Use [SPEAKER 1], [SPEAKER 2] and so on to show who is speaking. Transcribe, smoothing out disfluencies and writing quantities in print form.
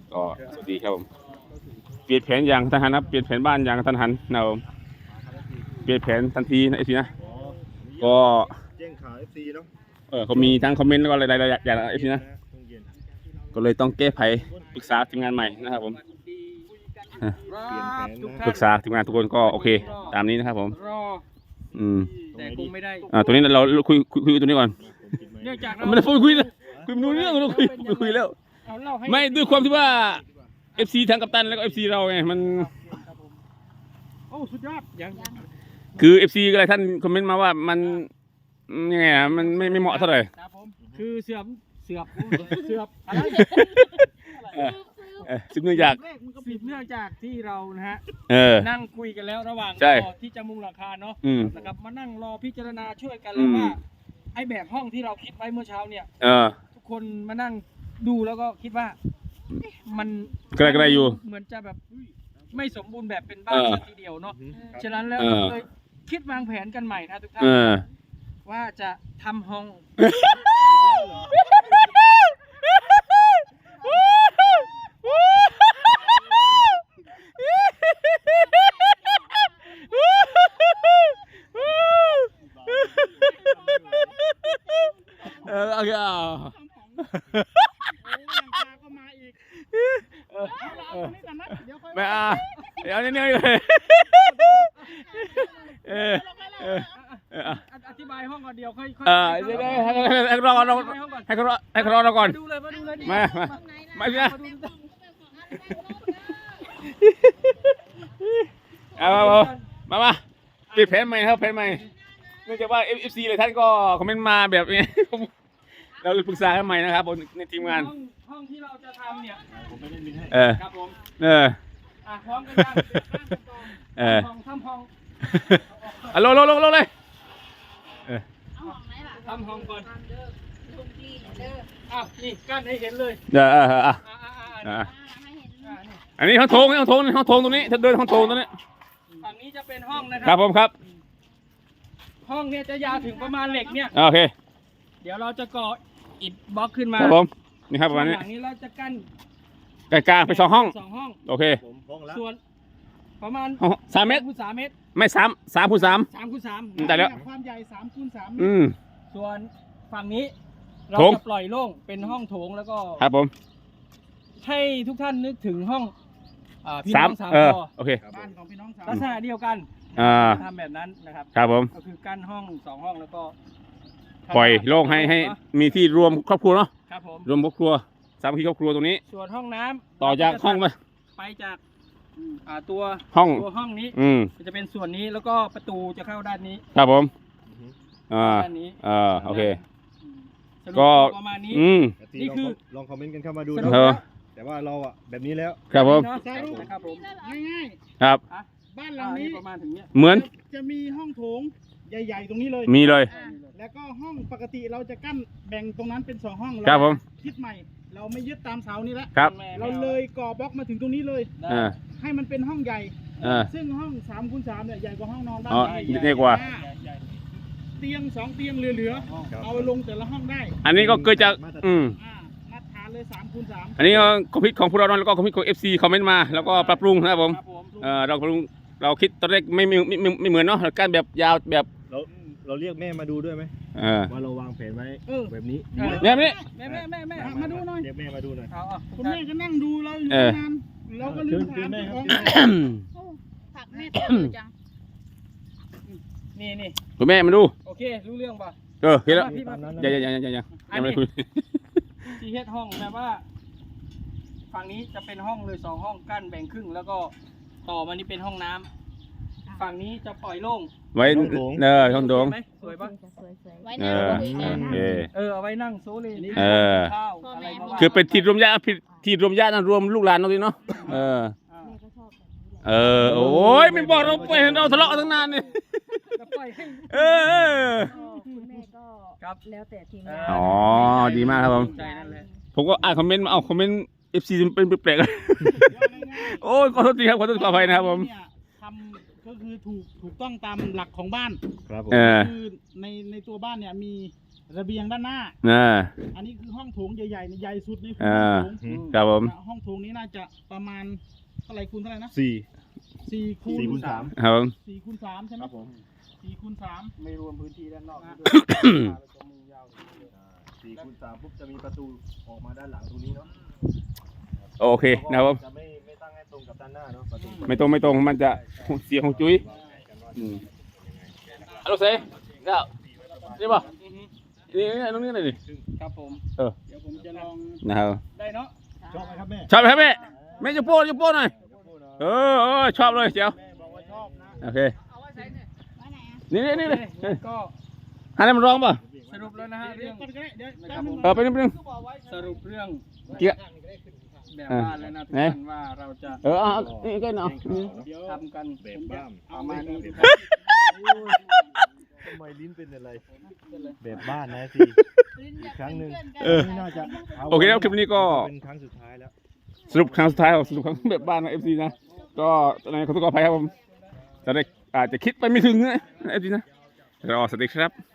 [SPEAKER 1] ก็สวัสดีครับผมเปลี่ยนแผนอย่างทันหันนะเปลี่ยนแผนบ้านอย่างทันหันนะผมเปลี่ยนแผนทันทีนะไอ้ทีนะก็
[SPEAKER 2] แจ้งข่าว FC เนาะ
[SPEAKER 1] เขามีทั้งคอมเมนต์แล้วก็อะไรๆอย่างไอ้ทีนะก็เลยต้องแก้ไขปรึกษาทีมงานใหม่นะครับผมปรึกษาทีมงานทุกคนก็โอเคตามนี้นะครับผม
[SPEAKER 3] แต่คงไม่ได้
[SPEAKER 1] ตัวนี้เราคุยตัวนี้ก่อน
[SPEAKER 3] เนื่องจากเรา
[SPEAKER 1] ไม่ได้คุยไม่รู้เรื่องเราคุยแล้วไม่ด้วยความที่ว่า FC ทั้งกัปตันแล้วก็ FC เราไงมัน
[SPEAKER 3] โอ้สุดยอดยัง
[SPEAKER 1] คือ FC อะไรท่านคอมเมนต์มาว่ามันยังไงอ่ะมันไม่เหมาะเท่าไหร่
[SPEAKER 3] ครับผมคือเสือบอะไร
[SPEAKER 1] ซึ่งเนื่องจาก
[SPEAKER 3] สืบเนื่องจากที่เรานะฮะ นั่งคุยกันแล้วระหว่าง
[SPEAKER 1] ใช่
[SPEAKER 3] ที่จะมุงหลังคาเนาะ
[SPEAKER 1] นะครับ
[SPEAKER 3] มานั่งรอพิจารณาช่วยกันเลยว่าไอ้แบบห้องที่เราคิดไว้เมื่อเช้าเนี่ยทุกคนมานั่งดูแล้วก็คิดว่ามัน
[SPEAKER 1] ก็ได้อยู่
[SPEAKER 3] เหมือนจะแบบไม่สมบูรณ์แบบเป็นบ้านทีเดียวเนาะฉะนั้นแล้วเลยคิดวางแผนกันใหม่นะทุกท่านว่าจะทำห้อง
[SPEAKER 1] โอเคไม่เอาเนี่ยเลย
[SPEAKER 3] อธิบายห้องก่อนเดียวค่อย
[SPEAKER 1] เดี๋ยวให้เขารอเราก่อน
[SPEAKER 3] ดูเลย
[SPEAKER 1] มาพี่นะมาปิดแผนใหม่ครับแผนใหม่เนื่องจากว่า FC เลยท่านก็คอมเมนต์มาแบบนี้เราเลยปรึกษากันใหม่นะครับบนในทีมงาน
[SPEAKER 3] ห้องที่เราจะทำเนี่ย
[SPEAKER 2] ผมไม่ได้มินให้
[SPEAKER 3] ครับผมพร้อมกันยังทำห้อง
[SPEAKER 1] ลงเลย
[SPEAKER 3] ทำห้องก่อนนี่กั้นให้เห็นเลย
[SPEAKER 1] อันนี้ห้องโถงตรงนี้ถ้าเดินห้องโถงตรงนี้
[SPEAKER 3] ฝั่งนี้จะเป็นห้องนะค
[SPEAKER 1] รั
[SPEAKER 3] รั
[SPEAKER 1] บผมครับ
[SPEAKER 3] ห้องเนี่ยจะยาวถึงประมาณเหล็กเนี่ย
[SPEAKER 1] โอเค
[SPEAKER 3] เดี๋ยวเราจะก่ออิฐบล็อกขึ้นมา
[SPEAKER 1] ครับผมนี่ครับประมาณนี้
[SPEAKER 3] ฝั่งนี้เราจะกั้น
[SPEAKER 1] กลางไป2 ห้องโอเค
[SPEAKER 3] ส่วนประมาณ
[SPEAKER 1] 3 เมตร
[SPEAKER 3] คูณ3 เมตร
[SPEAKER 1] ไม่3 คูณ 3
[SPEAKER 3] 3 คูณ
[SPEAKER 1] 3แต่แล้ว
[SPEAKER 3] ความใหญ่3 คูณ 3 เมตรส่วนฝั่งนี้เราจะปล่อยโล่งเป็นห้องโถงแล้วก็
[SPEAKER 1] ครับผม
[SPEAKER 3] ให้ทุกท่านนึกถึงห้องพี่น้อง3 คอ
[SPEAKER 1] โอเค
[SPEAKER 3] บ้านของพี่น้อง3ลักษณะเดียวกันทำแบบนั้นนะครับ
[SPEAKER 1] ครับผม
[SPEAKER 3] ก็คือกั้นห้อง2 ห้องแล้วก็
[SPEAKER 1] ปล่อยโล่งให้มีที่รวมครอบครัวเนาะ
[SPEAKER 3] ครับผม
[SPEAKER 1] รวมครอบครัวสามัคคีครอบครัวตรงนี้
[SPEAKER 3] ส่วนห้องน้ำ
[SPEAKER 1] ต่อจากห้อง
[SPEAKER 3] ไปจากตัวห้องนี้จะเป็นส่วนนี้แล้วก็ประตูจะเข้าด้านนี้
[SPEAKER 1] ครับผม
[SPEAKER 3] ด้านนี้
[SPEAKER 1] โอเค
[SPEAKER 3] ก็ประมาณนี้นี่คือ
[SPEAKER 2] ลองคอมเมนต์กันเข้ามาดูนะแต่ว่าเราแบบนี้แล้ว
[SPEAKER 1] ครับผม
[SPEAKER 3] ครับผมง่าย
[SPEAKER 1] ๆครับ
[SPEAKER 3] บ้านหลังนี้ประมาณถึงเนี้ย
[SPEAKER 1] เหมือน
[SPEAKER 3] จะมีห้องโถงใหญ่ๆตรงนี้เลย
[SPEAKER 1] มีเลย
[SPEAKER 3] แล้วก็ห้องปกติเราจะกั้นแบ่งตรงนั้นเป็น2 ห้อง
[SPEAKER 1] ครับผม
[SPEAKER 3] คิดใหม่เราไม่ยึดตามเสานี้แล้ว
[SPEAKER 1] ครับ
[SPEAKER 3] เราเลยก่อบล็อกมาถึงตรงนี้เลยให้มันเป็นห้องใหญ่ซึ่งห้อง3 คูณ 3เนี่ยใหญ่กว่าห้องนอนบ้าน
[SPEAKER 1] ใหญ่กว่า
[SPEAKER 3] เตียง2 เตียงเหลือเอาลงแต่ละห้องได้
[SPEAKER 1] อันนี้ก็เกิดจาก
[SPEAKER 3] มาตรฐานเลย3 คูณ 3
[SPEAKER 1] อันนี้ก็คอมพิวของพวกเราแล้วก็คอมพิวของ FC คอมเมนต์มาแล้วก็ปรับปรุงนะครับผมเราคิดตอนแรกไม่เหมือนเนาะการแบบยาวแบบ
[SPEAKER 2] เราเรียกแม่มาดูด้วยไหมว่าเราวางแผนไว้แบบนี้
[SPEAKER 3] แม่มาดูหน่อย
[SPEAKER 2] เรียกแม่มาดูหน่อย
[SPEAKER 3] คุณแม่ก็นั่งดูเราอยู่นานเราก็ลืมถาม
[SPEAKER 4] ผักแม่ตัวจัง
[SPEAKER 3] นี่
[SPEAKER 1] คุณแม่มาดู
[SPEAKER 3] โอเครู้เรื่องป่ะ
[SPEAKER 1] เห็นแล้วยังไม่คุย
[SPEAKER 3] ที่เฮ็ดห้องแบบว่าฝั่งนี้จะเป็นห้องเลย2 ห้องกั้นแบ่งครึ่งแล้วก็ต่อมานี่เป็นห้องน้ำฝั่งนี้จะปล่อยโล่ง
[SPEAKER 1] ไว้ห้องโถง
[SPEAKER 3] สวยปะ
[SPEAKER 4] ไว้นั่ง
[SPEAKER 3] เอาไว้นั่งโซเลนี่ข้าวอะไร
[SPEAKER 1] คือเป็นที่รวมญาตินั่นรวมลูกหลานเราดิเนาะโอ้ยไม่บอกเราไปเห็นเราทะเลาะตั้งนานนี่
[SPEAKER 4] คุณแม่ก็แล้วแต่ทีมงาน
[SPEAKER 1] ดีมากครับผมก็อ่านคอมเมนต์มาคอมเมนต์ FC เป็นแปลกๆโอ้ยขอโทษทีครับขอโทษขออภัยนะครับผม
[SPEAKER 3] ทำก็คือถูกต้องตามหลักของบ้าน
[SPEAKER 2] ครับผม
[SPEAKER 3] คือในตัวบ้านเนี่ยมีระเบียงด้านหน้าอันนี้คือห้องโถงใหญ่ๆใหญ่สุดนี่คือห้องโถง
[SPEAKER 1] ครับผม
[SPEAKER 3] ห้องโถ
[SPEAKER 5] สูงนี้น่าจะประมาณเท่าไหร่คูณเท่าไหร่นะ
[SPEAKER 2] สี่
[SPEAKER 5] 4 คูณ
[SPEAKER 2] 4 คูณ 3
[SPEAKER 1] ครับผม
[SPEAKER 5] 4 คูณ 3 ใช่ไหม
[SPEAKER 2] ครับผม
[SPEAKER 5] 4 คูณ 3
[SPEAKER 3] ไม่รวมพื้นที่ด้านนอกด้วยตัวมือยาว
[SPEAKER 2] 4 คูณ 3ปุ๊บจะมีประตูออกมาด้านหลังตรงนี้เนาะ
[SPEAKER 1] โอเคนะครับผม
[SPEAKER 2] จะไม่ตั้งให้ตรงกับด้านหน้าเนาะประตู
[SPEAKER 1] ไม่ตรงมันจะเสียของจุ้ยฮัลโหลเซ่เนี่ยนี่ป่ะนี่ตรงนี้เลยดิ
[SPEAKER 3] ครับผม
[SPEAKER 1] เออ
[SPEAKER 3] เดี๋ยวผมจะลอง
[SPEAKER 1] นะครับ
[SPEAKER 3] ได้เนาะ
[SPEAKER 2] ชอบไหมครับแม่
[SPEAKER 1] ชอบไหมครับแม่แม่จะโป้หน่อยชอบเลยเจียว
[SPEAKER 2] แม่บอกว่าชอบนะ
[SPEAKER 1] โอเค นี่
[SPEAKER 3] ก็
[SPEAKER 1] หันให้มันร้องป่ะ
[SPEAKER 3] สรุปแล้วนะฮะเรื่อง
[SPEAKER 5] ก่อนก็ได้เดี๋ยว
[SPEAKER 3] นะครับผม
[SPEAKER 1] ไปนิดนึง
[SPEAKER 3] สรุปเรื่อง
[SPEAKER 1] เกี่ย
[SPEAKER 3] แบบบ้านแล้วนะทุกท่านว่าเราจะ
[SPEAKER 1] นี่ก็เนาะ
[SPEAKER 3] เดี๋ยวทำกัน
[SPEAKER 2] แบบบ้าน
[SPEAKER 3] ประมาณนี้
[SPEAKER 2] ทำไมลิ้นเป็นอะไร แบบบ้านนะสิอีกครั้งหนึ่ง นี่น่าจะ
[SPEAKER 1] โอเคแล้วคลิปนี้ก็
[SPEAKER 2] เป็นครั้งสุดท้ายแล้ว
[SPEAKER 1] สรุปครั้งสุดท้ายของสรุปครั้งแบบบ้านนะเอฟซีนะ ก็ตอนนี้ขอตัวขออภัยครับผมจะได้อาจจะคิดไปไม่ถึงนะเอฟซีนะรอสวัสดีครับ